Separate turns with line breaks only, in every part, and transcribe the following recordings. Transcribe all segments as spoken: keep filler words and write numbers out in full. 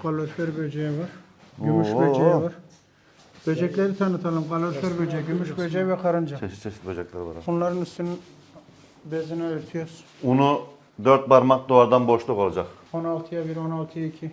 kalorifer böceği var. Gümüş
Oo.
böceği var. Böcekleri tanıtalım. Kalorifer böceği, gümüş böceği ve karınca.
Çeşit çeşit böcekler var.
Bunların üstünün bezini örtüyoruz.
Unu dört parmak duvardan boşluk olacak.
on altıya bir, on altıya iki.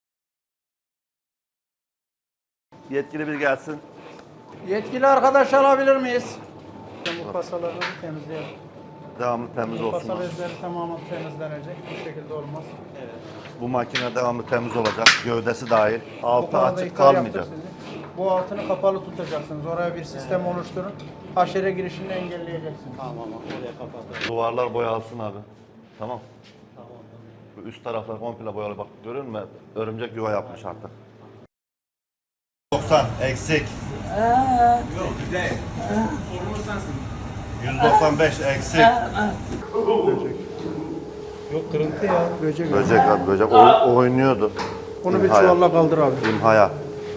Yetkili bir gelsin.
Yetkili arkadaş alabilir miyiz? Bu kasalarını temizleyelim.
Devamlı temiz
Bu
olsun.
kasa bezleri tamamen temizlenecek. Bu şekilde olmaz.
Bu makine devamlı temiz olacak. Gövdesi dahil.
Bu
Altı
konuda
açık
ihtar
kalmayacak.
yaptık sizi. Bu altını kapalı tutacaksınız. Oraya bir sistem oluşturun. Haşere girişini engelleyeceksiniz.
Tamam oraya kapat.
Duvarlar boyalsın abi. Tamam. Bu üst taraflar komple boyalı. Bak görüyor musun? Örümcek yuva yapmış artık. doksan eksik.
Yok güzel. Sorumlu sensin.
yüz doksan beş eksik.
Yok kırıntı ya.
Böcek.
Böcek abi böcek o, oynuyordu.
Onu bir
İmhaya.
çuvalla kaldır abi.
İmhaya.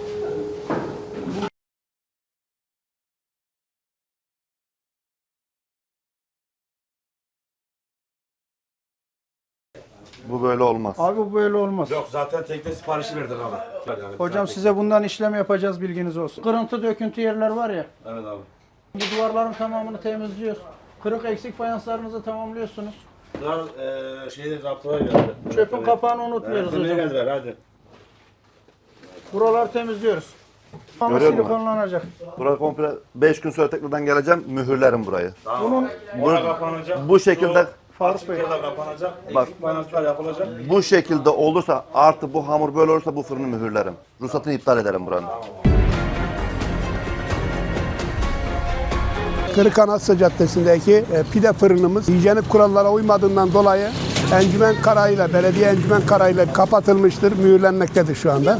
Bu böyle olmaz.
Abi bu böyle olmaz.
Yok zaten tekne siparişi verdik abi. Yani
Hocam size bundan işlem yapacağız, bilginiz olsun. Kırıntı döküntü yerler var ya.
Evet abi.
Bu duvarların tamamını temizliyoruz. Kırık eksik fayanslarınızı tamamlıyorsunuz.
Bunlar eee şeyde zaptılar geldi.
Çöpün kapağını unutmuyoruz
Evet,
hocam.
geldiler hadi.
Buraları temizliyoruz. Ama
Görüyor musun?
silikonlanacak.
Buraya komple beş gün sonra tekrardan geleceğim. Mühürlerim burayı.
Bunun
Bura kapanacak.
Bu şekilde
Faruk Bey.
Açıklar kapanacak.
Bak.
Eksik finanslar yapılacak.
bu şekilde olursa artı bu hamur böyle olursa bu fırını mühürlerim. Ruhsatını iptal ederim buranın.
Kırıkanasya Caddesi'ndeki e, pide fırınımız hijyenik kurallara uymadığından dolayı encümen kararıyla, belediye encümen kararıyla kapatılmıştır, mühürlenmektedir şu anda.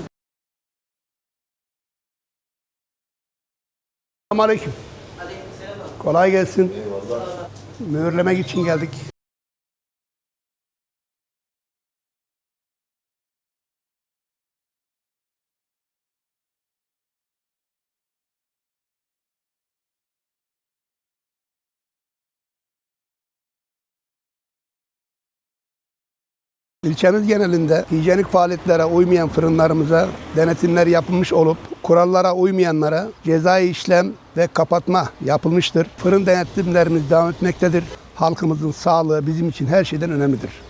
Selamünaleyküm. Kolay gelsin. Mühürlemek için geldik. İlçemiz genelinde hijyenik faaliyetlere uymayan fırınlarımıza denetimler yapılmış olup kurallara uymayanlara cezai işlem ve kapatma yapılmıştır. Fırın denetimlerimiz devam etmektedir. Halkımızın sağlığı bizim için her şeyden önemlidir.